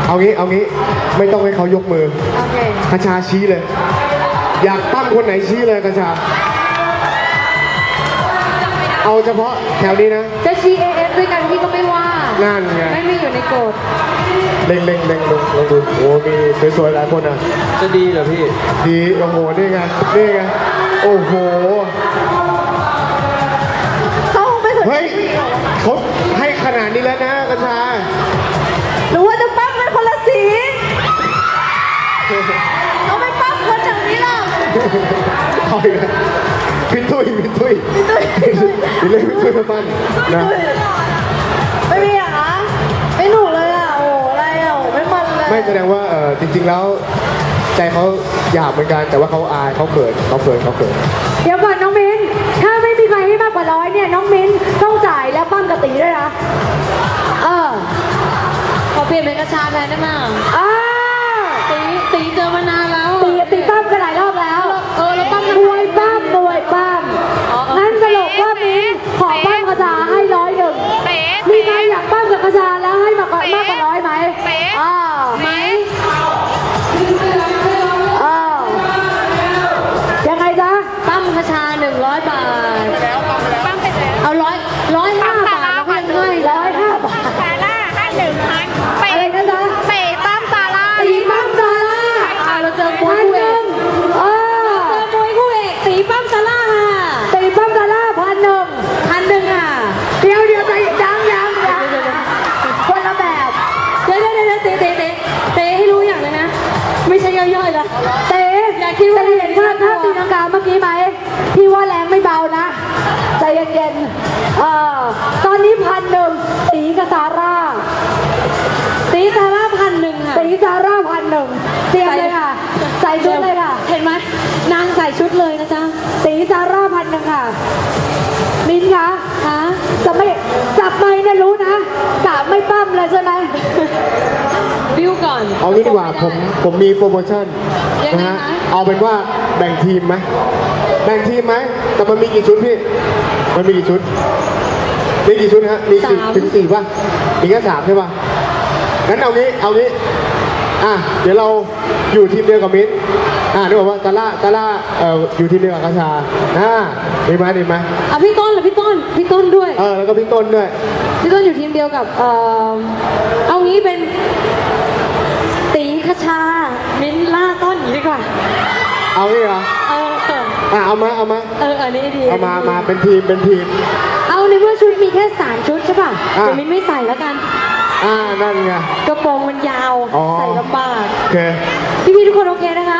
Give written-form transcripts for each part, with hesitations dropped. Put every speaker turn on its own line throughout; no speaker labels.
เอางี้ไม่ต้องให้เขายกมือโอเคกระชาชี้เลยอยากปั้มคนไหนชี้เลยกระชาเอาเฉพาะแถวนี้นะ
จะชี้ AF ด้วยกันพี่ก็ไม่ว่า
นั่นไง
ไม่มีอยู่ในกฎ
เล็งลองดูโอ้มีสวยๆหลายคนอ่ะ
จะดีเหรอพี่
ดีโอ้โหนี่ไงโอ้โห
เขาไม่สนใจ
เขาให้ขนาดนี้แล้วนะกระชา
หรือว่าจะปั้มเป็นคนละสีเขาไม่ปั้มคนอย่างนี้หรอก
เอาอีกแล้วพิทุยเล่นพิทุยมาปั้นนะ
ไม่มีอ่ะไม่หนุกเลยอ่ะโอ้อะไรอ่ะไม่มันเลย
ไม่แสดงว่าจริงๆแล้วใจเขาหยาบเหมือนกันแต่ว่าเขาอายเขาเขิน
เดี๋ยวก่อนน้องมิ้นถ้าไม่มีใครให้มากกว่า100เนี่ยน้องมิ้นต้องจ่ายแล้วปั้มกระตีด้วยนะ
ขอเปลี่ยนเป็นกระชาแทนได้ไหมตีเจอมานานแล้ว
ตีปั้มกันหลายรอบแล้ว
แล้วปั้ม
มวยปั้มนั่นสรุปว่ามิ้นขอปั้มกระชาให้101มีใครอยากปั้มกับกระชาแล้วให้มากกว่า100ไหมยังไงจ๊ะ
ปั้มกระชา100 บาทปั้มไปแล้วเอา105 บาทแล้วให้
105 บาท
ซาร่าให้1,000
อะไรนะจ๊ะ
ปั้มซาร่า
ปั้มซาร่า
เราเจอมวยคู่เอกตีปั้มซาร่าค่ะ
ตีปั้มซาร่า1,000ค่ะเดี๋ยวใจยังคนละแบบ
เดี๋ยวเตะให้รู้อย่างเลยนะไม่ใช่ย่อยๆละ
เตะ
อย่าคิดว่า
เห็นท่าตีลังกาเมื่อกี้ไหมพี่ว่าแรงไม่เบานะใจเย็นๆตอนนี้1,000ตีกับซาร่า
ตีซาร่า1,000ค่ะ
ตีซาร่า1,000เตรียมเลยค่ะใส่ชุดเลยค่ะ
เห็นไหมนางใส่ชุดเลยนะจ๊ะ
ตีซาร่า1,000ค่ะมิ้นคะจะไม่จับไม้เนี่ยรู้นะกะไม่ปั้มเลยใช่ไหม
บิ้วก่อน
เอางี้ดีกว่าผมมีโปรโมชั่นนะฮะเอาเป็นว่าแบ่งทีมไหมแต่มันมีกี่ชุดพี่มันมีกี่ชุดฮะมีถึง4ป่ะมีแค่3ใช่ป่ะงั้นเอางี้เดี๋ยวเราอยู่ทีมเดียวกับมิ้นนึกว่าตาล่าอยู่ทีมเดียวกับกระชาดีไหม
พี่ต้นเหรอพี่ต้นด้วย
แล้วก็พี่ต้นด้วย
พี่ต้นอยู่ทีมเดียวกับเอางี้เป็นตีกระชามิ้นล่าต้นอย่างนี้ดีกว่า
เอางี้เหรอเอามา
อันนี้ดี
เอามาเป็นทีม
เอาในเมื่อชุดมีแค่3 ชุดใช่ป่ะแต่มิ้นไม่ใส่แล้วกัน
นั่นไง
กระโปรงมันยาวใส่ลำบาก
โอเค
พี่ทุกคนโอเคนะคะ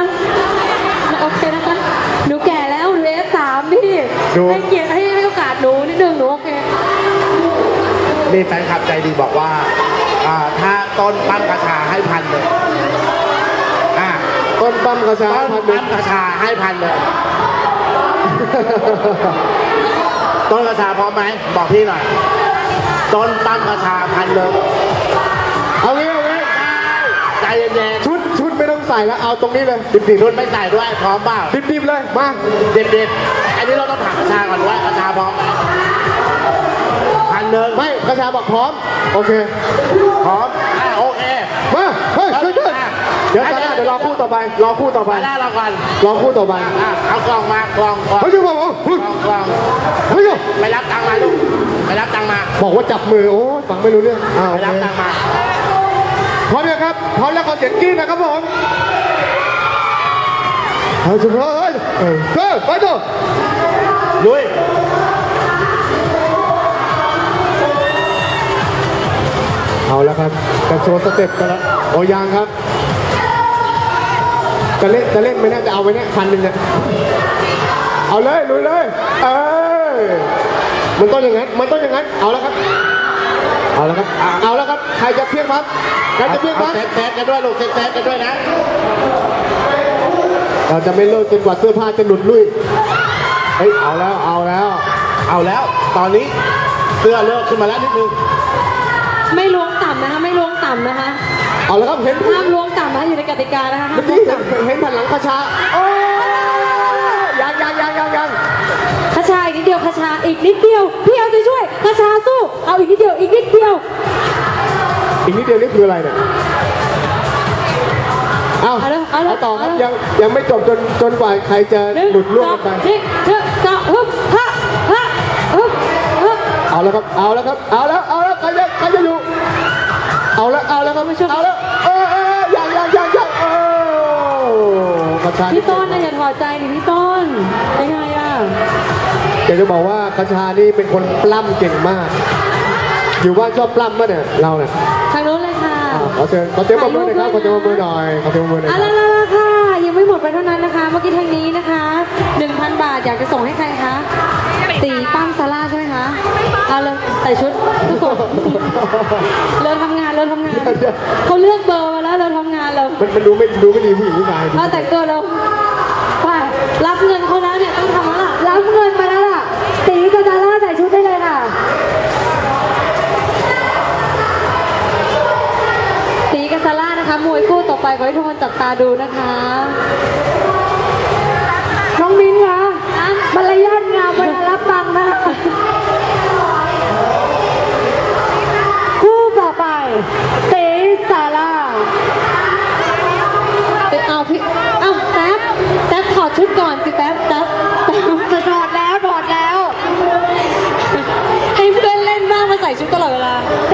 หนูแก่แล้วหนูF3พี่ให้เกียรติให้โอกาสหนูนิดนึงหนูโอเค
นี่แฟนคลับใจดีบอกว่าถ้าต้นปั้มกระชาให้1,000เลย
ต้นปั้มกระชา
ให้1,000เลยต้นกระชาพร้อมไหมบอกพี่หน่อยต้นปั้มกระชา1,000เลย
เอางี้
ใจเย็น
ๆชุดไม่ต้องใส่แล้วเอาตรงนี้เลย
ดิบๆชุดไม่ใส่ด้วยพร้อมเปล่า
ดิบๆเลยมา
ดิบอันนี้เราต้องถามกระชาก่อนว่ากระชาพร้อม1,000เลย
ไม่กระชาบอกพร้อมโอเค
พร้อมโอเค
มาเฮ้ยเดี๋ยวรอคู่ต่อไป
รอคู่ต่อไป
เอา
กล่องมากล่อง
เฮ้ยบอก
ไปรับตังค์มาลูกไปรับตังค์มา
บอกว่าจับมือโอ้ฟังไม่รู้เรื่อง
ไปรับตังค์มา
พร้อมยังครับพร้อมแล้วขอเสียงกรี๊ดนะครับผมเอาสุดท้ายไปต่อ
ลุย
เอาแล้วครับจะโชว์สเต็ปกันแล้วโอ้ยังครับจะเล่นไม่น่าจะเอาไว้เนี่ย1,000เนี่ยเอาเลยลุยเลยมันต้องอย่างนั้นเอาแล้วครับใครจะเพี้ยงครับ
เซตกันด้วยลูกเซตกันด้วยนะ
เราจะไม่เลิกจนกว่าเสื้อผ้าจะหลุดลุ่ยเอาแล้ว
ตอนนี้เสื้อเลิกขึ้นมาแล้วนิดนึง
ไม่ล้วงต่ำนะคะ
เอาแล้วครับเห็น
ห้ามล้วงต่ำนะอยู่ในกติกานะคะ
เมื่อกี้เห็นผ่านหลังกระชายัง
กระชาอีกนิดเดียวกระชาอีกนิดเดียวพี่เอาใจช่วยกระชาสู้เอาอีกนิดเดียว
นี่คืออะไรเนี่ยเอา
เอาเลยเอา
เอา
เลย
ต่อครับ
เอาเลย
ยังไม่จบจนกว่าใครจะหลุดล่วงกันไป
นี่จะฮึบฮะฮะฮึบฮึบ
เอาแล้วครับเอาแล้วครับเอาแล้วใครจะอยู่เอาแล้วครับเอาแล้วยังกระชา
พี่ต้นนะอย่าถอดใจดิพี่ต้นยังไงอ่ะ
อยากจะบอกว่ากระชานี่เป็นคนปล้ำเก่งมาก อยู่บ้านชอบปล้ำมั้ยเนี่ยเราเนี่ย
ทางโน้นเลยค่ะ
ขอเชิญปรบมือหน่อยครับขอเชิญปรบมือหน่อยขอเชิญปรบมือหน่อย
เอาละค่ะยังไม่หมดไปเท่านั้นนะคะ เมื่อกี้ทางนี้นะคะ 1,000 บาทอยากจะส่งให้ใครคะตีปั้มซาร่าใช่ไหมคะเอาเลยใส่ชุดทุกคนเราทำงานเขาเลือกเบอร์มาแล้วเราทำงานเรา
มันดูไม่ดีผู้หญิงผู้ชาย
เราแต่งตัวเราไปรับเงินเขาแล้วเนี่ยต้องทำแล้วล่ะ
รับเงินมาแล้วล่ะตีกับดาร่าใส่ชุดได้เลยค่ะ
ตีกับซาร่านะคะมวยคู่ต่อไปขอให้ทุกคนจับตาดูนะคะ
น้องมิ้นคะมารยาทงามเวลารับตังค์นะคะคู่ต่อไปเต๋ซาร่า
เอาพี่เอาแท็บถอดชุดก่อนสิแท็บ
จะถอดแล้ว
ให้เพื่อนเล่นบ้างมาใส่ชุดตลอดเวลา